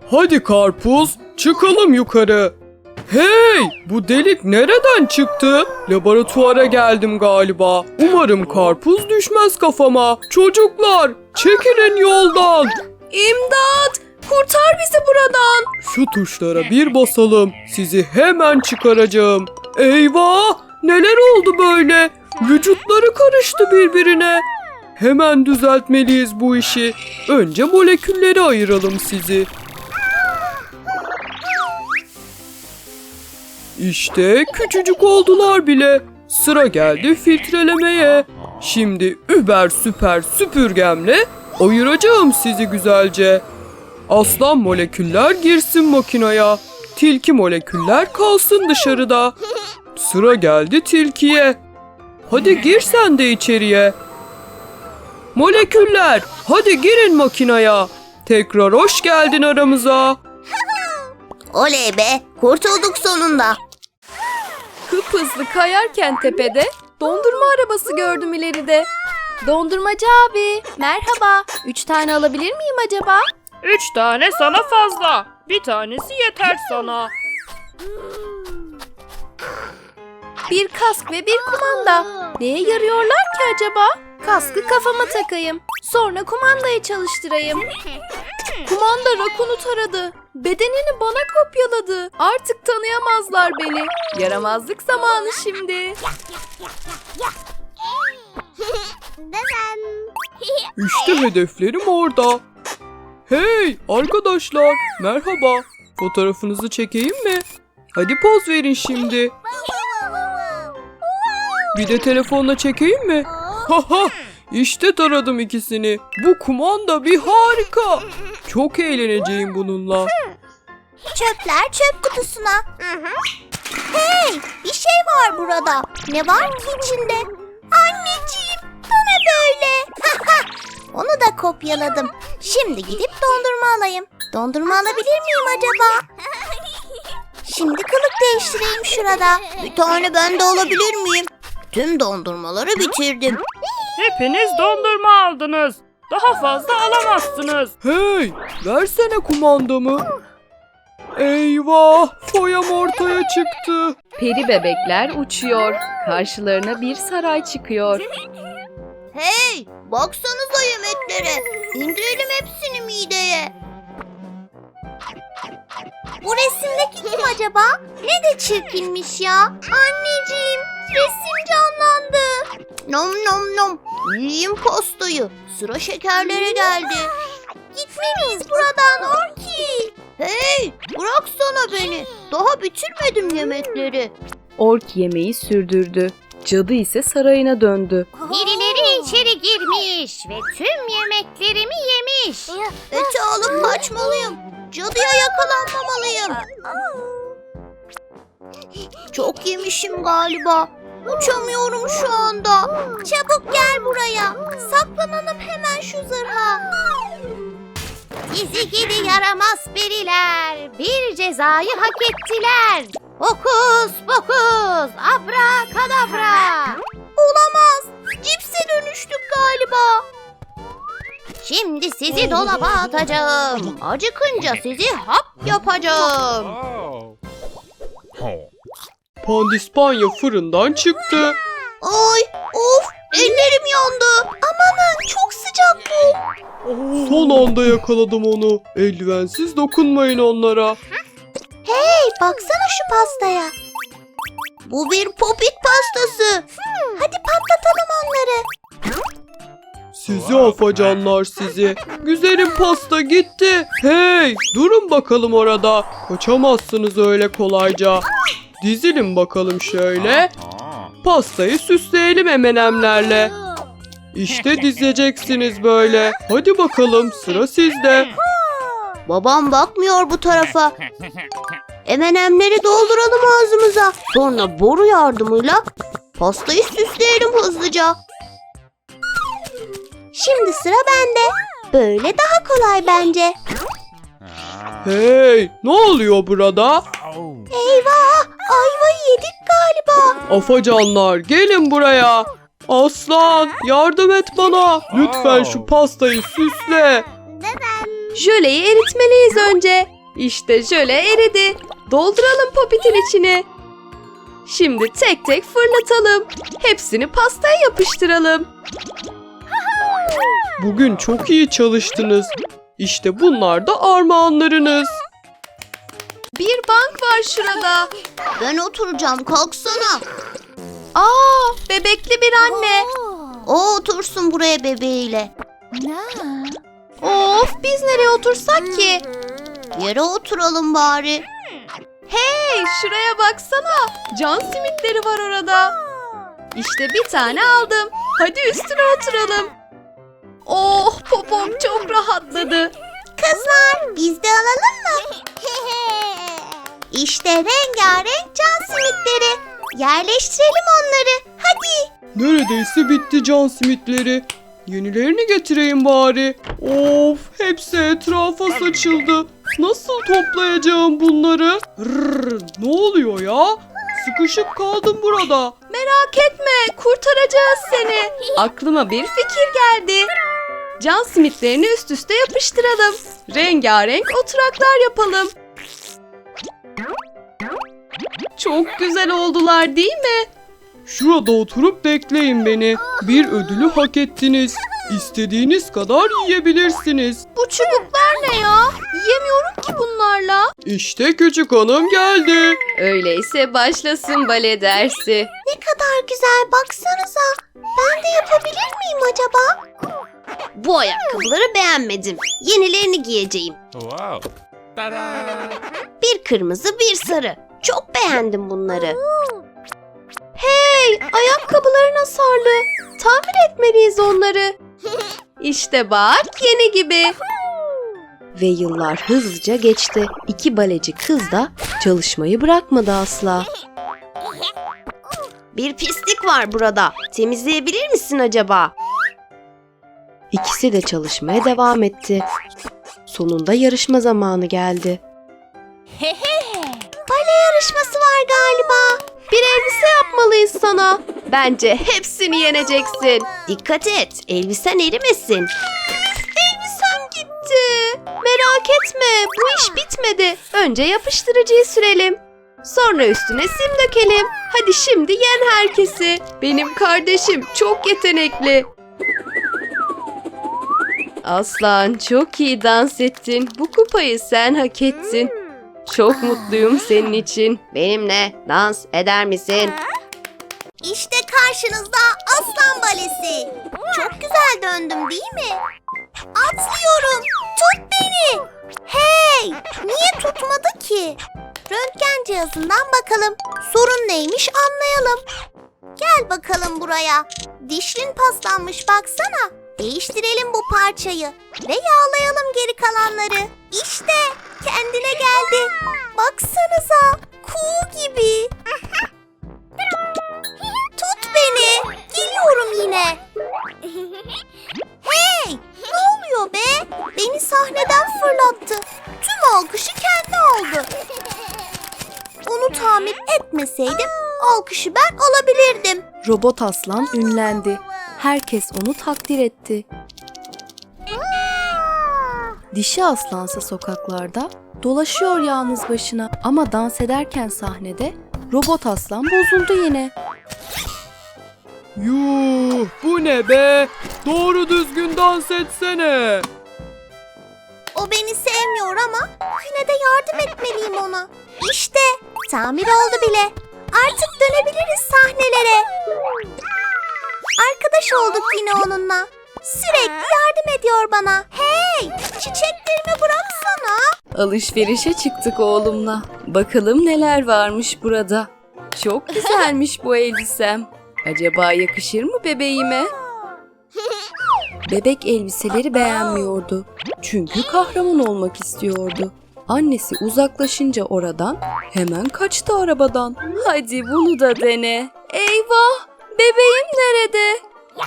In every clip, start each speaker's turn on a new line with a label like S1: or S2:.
S1: Hadi karpuz, çıkalım yukarı. Hey, bu delik nereden çıktı? Laboratuvara geldim galiba. Umarım karpuz düşmez kafama. Çocuklar, çekilin yoldan.
S2: İmdat! Kurtar bizi buradan.
S1: Şu tuşlara bir basalım. Sizi hemen çıkaracağım. Eyvah! Neler oldu böyle? Vücutları karıştı birbirine. Hemen düzeltmeliyiz bu işi. Önce molekülleri ayıralım sizi. İşte küçücük oldular bile. Sıra geldi filtrelemeye. Şimdi über süper süpürgemle ayıracağım sizi güzelce. Aslan moleküller girsin makinaya. Tilki moleküller kalsın dışarıda. Sıra geldi tilkiye. Hadi gir sen de içeriye. Moleküller, hadi girin makinaya. Tekrar hoş geldin aramıza.
S3: Oley be, kurtulduk sonunda.
S2: Hızlı kayarken tepede dondurma arabası gördüm ileride. Dondurmacı abi, merhaba. 3 tane alabilir miyim acaba?
S4: 3 tane sana fazla. Bir tanesi yeter sana.
S2: Bir kask ve bir kumanda. Neye yarıyorlar ki acaba? Kaskı kafama takayım. Sonra kumandayı çalıştırayım. Kumanda rakunu taradı. Bedenini bana kopyaladı. Artık tanıyamazlar beni. Yaramazlık zamanı şimdi.
S1: İşte hedeflerim orada. Hey arkadaşlar, merhaba. Fotoğrafınızı çekeyim mi? Hadi poz verin şimdi. Bir de telefonla çekeyim mi? Haha, işte taradım ikisini. Bu kumanda bir harika. Çok eğleneceğim bununla.
S3: Çöpler çöp kutusuna. Hey, bir şey var burada. Ne var ki içinde? Anneciğim, bana böyle. Onu da kopyaladım. Şimdi gidip dondurma alayım. Dondurma alabilir miyim acaba? Şimdi kılık değiştireyim şurada. Bir tane ben de alabilir miyim? Tüm dondurmaları bitirdim.
S4: Hepiniz dondurma aldınız. Daha fazla alamazsınız.
S1: Hey, versene kumandamı. Eyvah, foyam ortaya çıktı.
S2: Peri bebekler uçuyor. Karşılarına bir saray çıkıyor.
S3: Hey, baksanıza yemeklere. İndirelim hepsini mideye. Bu resimdeki kim acaba? Ne de çirkinmiş ya. Anneciğim, resim canlandı. Nom nom nom. Yiyeyim pastayı. Sıra şekerlere geldi. Gitmeliyiz buradan Orki. Hey, bıraksana beni. Daha bitirmedim yemekleri.
S2: Ork yemeği sürdürdü. Cadı ise sarayına döndü.
S3: Birileri içeri girmiş ve tüm yemeklerimi yemiş. Eti alıp kaçmalıyım. Cadıya yakalanmamalıyım. Çok yemişim galiba. Uçamıyorum şu anda. Çabuk gel buraya. Saklanalım hemen şu zırha. Sizi gidi yaramaz periler. Bir cezayı hak ettiler. Hokus pokus abrakadabra. Olamaz. Cipse dönüştük galiba. Şimdi sizi dolaba atacağım. Acıkınca sizi hap yapacağım.
S1: Pandispanya fırından çıktı.
S3: Ay of, ellerim yandı. Amanın çok sıcak bu.
S1: Son anda yakaladım onu. Eldivensiz dokunmayın onlara.
S3: Hey, baksana şu pastaya. Bu bir popit pastası. Hadi patlatalım onları.
S1: Sizi afacanlar sizi. Güzelim pasta gitti. Hey, durun bakalım orada. Kaçamazsınız öyle kolayca. Dizilin bakalım şöyle. Pastayı süsleyelim M&M'lerle. İşte dizeceksiniz böyle. Hadi bakalım, sıra sizde.
S3: Babam bakmıyor bu tarafa. M&M'leri dolduralım ağzımıza. Sonra boru yardımıyla pastayı süsleyelim hızlıca. Şimdi sıra bende. Böyle daha kolay bence.
S1: Hey, ne oluyor burada?
S3: Eyvah! Ayvayı yedik galiba.
S1: Afacanlar, gelin buraya. Aslan, yardım et bana. Lütfen şu pastayı süsle.
S2: Jöleyi eritmeliyiz önce. İşte jöle eridi. Dolduralım popitin içine. Şimdi tek tek fırlatalım. Hepsini pastaya yapıştıralım.
S1: Bugün çok iyi çalıştınız. İşte bunlar da armağanlarınız.
S2: Bir bank var şurada.
S3: Ben oturacağım, kalksana.
S2: Bebekli bir anne.
S3: O otursun buraya bebeğiyle.
S2: Of, biz nereye otursak ki?
S3: Yere oturalım bari.
S2: Hey, şuraya baksana. Can simitleri var orada. İşte bir tane aldım. Hadi üstüne oturalım. Oh, popom çok rahatladı.
S3: Kızlar, biz de alalım mı? İşte rengarenk can simitleri. Yerleştirelim onları. Hadi.
S1: Neredeyse bitti can simitleri. Yenilerini getireyim bari. Of, hepsi etrafa saçıldı. Nasıl toplayacağım bunları? Ne oluyor ya? Sıkışıp kaldım burada.
S2: Merak etme, kurtaracağız seni. Aklıma bir fikir geldi. Can simitlerini üst üste yapıştıralım. Rengarenk oturaklar yapalım. Çok güzel oldular değil mi?
S1: Şurada oturup bekleyin beni. Bir ödülü hak ettiniz. İstediğiniz kadar yiyebilirsiniz.
S2: Bu çubuklar ne ya? Yiyemiyorum ki bunlarla.
S1: İşte küçük hanım geldi.
S2: Öyleyse başlasın bale dersi.
S3: Ne kadar güzel, baksanıza. Ben de yapabilir miyim acaba?
S2: Bu ayakkabıları beğenmedim. Yenilerini giyeceğim.
S5: Wow. Ta-da!
S2: Bir kırmızı, bir sarı. Çok beğendim bunları. Hey, ayakkabıların hasarlı. Tamir etmeliyiz onları. İşte bak, yeni gibi. Ve yıllar hızlıca geçti. İki baleci kız da çalışmayı bırakmadı asla. Bir pislik var burada. Temizleyebilir misin acaba? İkisi de çalışmaya devam etti. Sonunda yarışma zamanı geldi. Bale yarışması var galiba. Bir elbise yapmalıyız sana. Bence hepsini yeneceksin. Dikkat et, elbisen erimesin. Elbisem gitti. Merak etme, bu iş bitmedi. Önce yapıştırıcıyı sürelim. Sonra üstüne sim dökelim. Hadi şimdi yen herkesi. Benim kardeşim çok yetenekli. Aslan, çok iyi dans ettin. Bu kupayı sen hak ettin. Çok mutluyum senin için. Benimle dans eder misin?
S3: İşte karşınızda aslan balesi. Çok güzel döndüm değil mi? Atlıyorum. Tut beni. Hey, niye tutmadı ki? Röntgen cihazından bakalım. Sorun neymiş anlayalım. Gel bakalım buraya. Dişlin paslanmış baksana. Değiştirelim bu parçayı ve yağlayalım geri kalanları. İşte kendine geldi. Baksanıza, kuğu gibi. Tut beni. Geliyorum yine. Hey, ne oluyor be? Beni sahneden fırlattı. Tüm alkışı kendi aldı. Onu tamir etmeseydim alkışı ben alabilirdim.
S2: Robot aslan ünlendi. Herkes onu takdir etti. Dişi aslansa sokaklarda dolaşıyor yalnız başına. Ama dans ederken sahnede robot aslan bozuldu yine.
S1: Yuh, bu ne be? Doğru düzgün dans etsene.
S3: O beni sevmiyor ama yine de yardım etmeliyim ona. İşte tamir oldu bile. Artık dönebiliriz sahnelere. Arkadaş olduk yine onunla. Sürekli yardım ediyor bana. Hey, çiçeklerimi bıraksana.
S2: Alışverişe çıktık oğlumla. Bakalım neler varmış burada. Çok güzelmiş bu elbisem. Acaba yakışır mı bebeğime? Bebek elbiseleri beğenmiyordu. Çünkü kahraman olmak istiyordu. Annesi uzaklaşınca oradan hemen kaçtı arabadan. Hadi bunu da dene. Eyvah! Bebeğim nerede?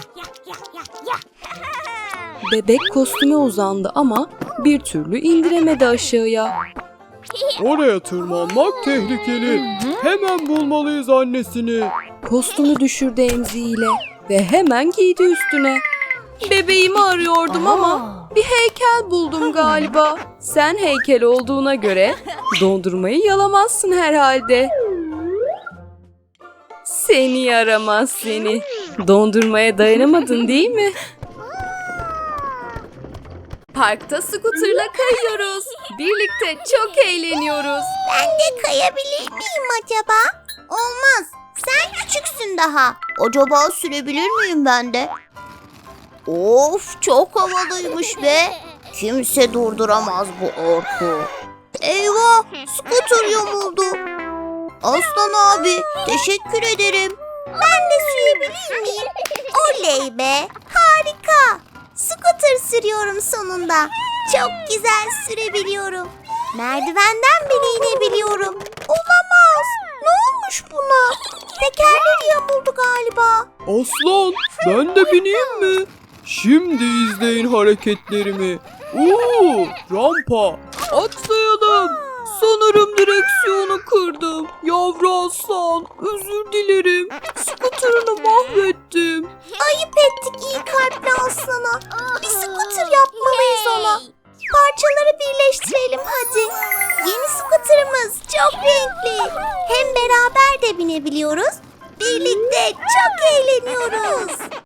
S2: Bebek kostüme uzandı ama bir türlü indiremedi aşağıya.
S1: Oraya tırmanmak tehlikeli. Hemen bulmalıyız annesini.
S2: Kostümü düşürdü emziğiyle ve hemen giydi üstüne. Bebeğimi arıyordum ama Bir heykel buldum galiba. Sen heykel olduğuna göre dondurmayı yalamazsın herhalde. Seni yaramaz seni. Dondurmaya dayanamadın değil mi? Parkta skuterla kayıyoruz. Birlikte çok eğleniyoruz.
S3: Ben de kayabilir miyim acaba? Olmaz. Sen küçüksün daha. Acaba sürebilir miyim ben de? Of, çok havalıymış be. Kimse durduramaz bu orku. Eyvah, skuter yamuldu. Aslan abi, teşekkür ederim. Ben de sürebilir miyim? Oley be, harika. Skuter sürüyorum sonunda. Çok güzel sürebiliyorum. Merdivenden bile inebiliyorum. Olamaz. Ne olmuş buna? Tekerleri yamuldu galiba.
S1: Aslan, ben de bineyim mi? Şimdi izleyin hareketlerimi. Rampa. Atlayalım. Sanırım direksiyonu kırdım. Yavru aslan, özür dilerim. Skuterını mahvettim.
S3: Ayıp ettik iyi kalpli aslana. Bir skuter yapmalıyız ona. Parçaları birleştirelim hadi. Yeni skuterımız çok renkli. Hem beraber de binebiliyoruz. Birlikte çok eğleniyoruz.